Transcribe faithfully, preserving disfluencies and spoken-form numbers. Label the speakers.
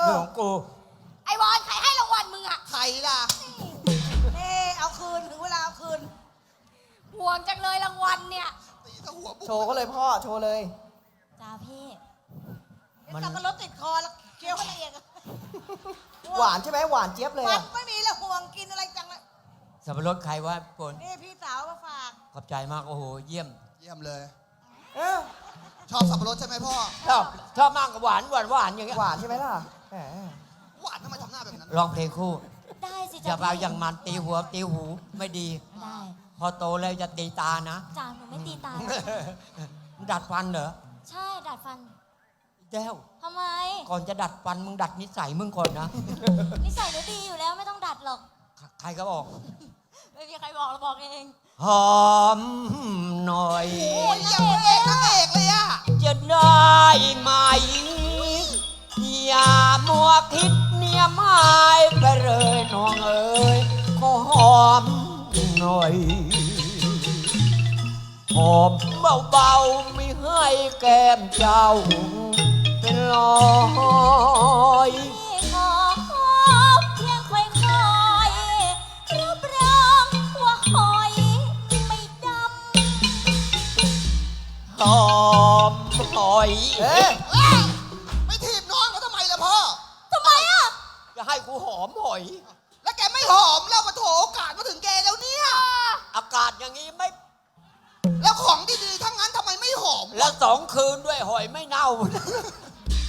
Speaker 1: เรื่องของกู
Speaker 2: ไอ้บอลใครให้รางวัลมึงอะ
Speaker 3: ใครล่ะ
Speaker 2: นี่เอาคืนถึงเวลาเอาคืนห่วงจังเลยรางวัลเนี่ย
Speaker 3: ตีถ้าหัวบุก
Speaker 4: โชว์ก็เลยพ่อโชว์เลย
Speaker 2: จ้าพี่
Speaker 1: มัน
Speaker 2: สับปะรดติดคอแล้วเคี้ยวให้ละเอียด
Speaker 4: หวานใช่ไหมหวานเจี๊ยบเลย
Speaker 2: มัน
Speaker 4: อะ
Speaker 2: ไม่มีแล้วห่วงกินอะไรจังเลย
Speaker 1: สับปะรดใครวะปน
Speaker 2: นี่พี่สาวมาฝาก
Speaker 1: ขอบใจมากโอ้โหเยี่ยม
Speaker 3: เยี่ยมเลย
Speaker 4: เออ
Speaker 3: ชอบสับปะรดใช่ไหมพ่อ
Speaker 1: ชอบชอบมากกับหวานหวานหวานอย่างเงี้ย
Speaker 4: หวานใช่ไหมล่ะแหม
Speaker 3: หวานทำไมทำหน้าแบบนั้น
Speaker 1: ร้องเพลงคู่
Speaker 2: ได้สิ
Speaker 1: อ
Speaker 2: จ้า
Speaker 1: ย่าไปเอาอย่างมันตีหัวตีหูไม่ดี
Speaker 2: ได้
Speaker 1: พอโตแล้วจะตีตานะ
Speaker 2: จ้าหนูไม่ตีตา
Speaker 1: ดัดฟันเหรอ
Speaker 2: ใช่ดัดฟัน
Speaker 1: แก้ว
Speaker 2: ทำไม
Speaker 1: ก่อนจะดัดฟันมึงดัดนิสัยมึงก่อนนะ
Speaker 2: นิสัยหนูดีอยู่แล้วไม่ต้องดัดหรอก
Speaker 1: ใครก็บอก
Speaker 2: ไม่มีใครบอกเราบอกเอง
Speaker 1: หอมหน่อย
Speaker 3: โอ้ยอย่างพระเอกนางเอกเลยอะ
Speaker 1: จะได้ไหมอย่ามัวคิดเนี่ยไม่ไปเลยน้องเอ๋ยขอหอมหน่อยหอมเบาๆไม่ให้แก้มเจ้าเป็นรอย
Speaker 2: พี่ขอขอเพียงค่อยๆรับรองว่าหอยไม่ด
Speaker 1: หอมหอย
Speaker 4: เอ๊ะ
Speaker 3: เอ้ยไม่ถีบน้องเขาทำไมล่ะพ่อ
Speaker 2: ำทำไมอ่ะ
Speaker 1: จะให้กูหอมหอย
Speaker 3: แล้วแกไม่หอมแล้วมาโถโอกาสมาถึงแกแล้วเนี่ย
Speaker 1: อากาศอย่างนี้ไม่
Speaker 3: แล้วของดีๆทั้งนั้นทำไมไม่หอม
Speaker 1: แล้วสองคืนด้วยหอยไม่เน่า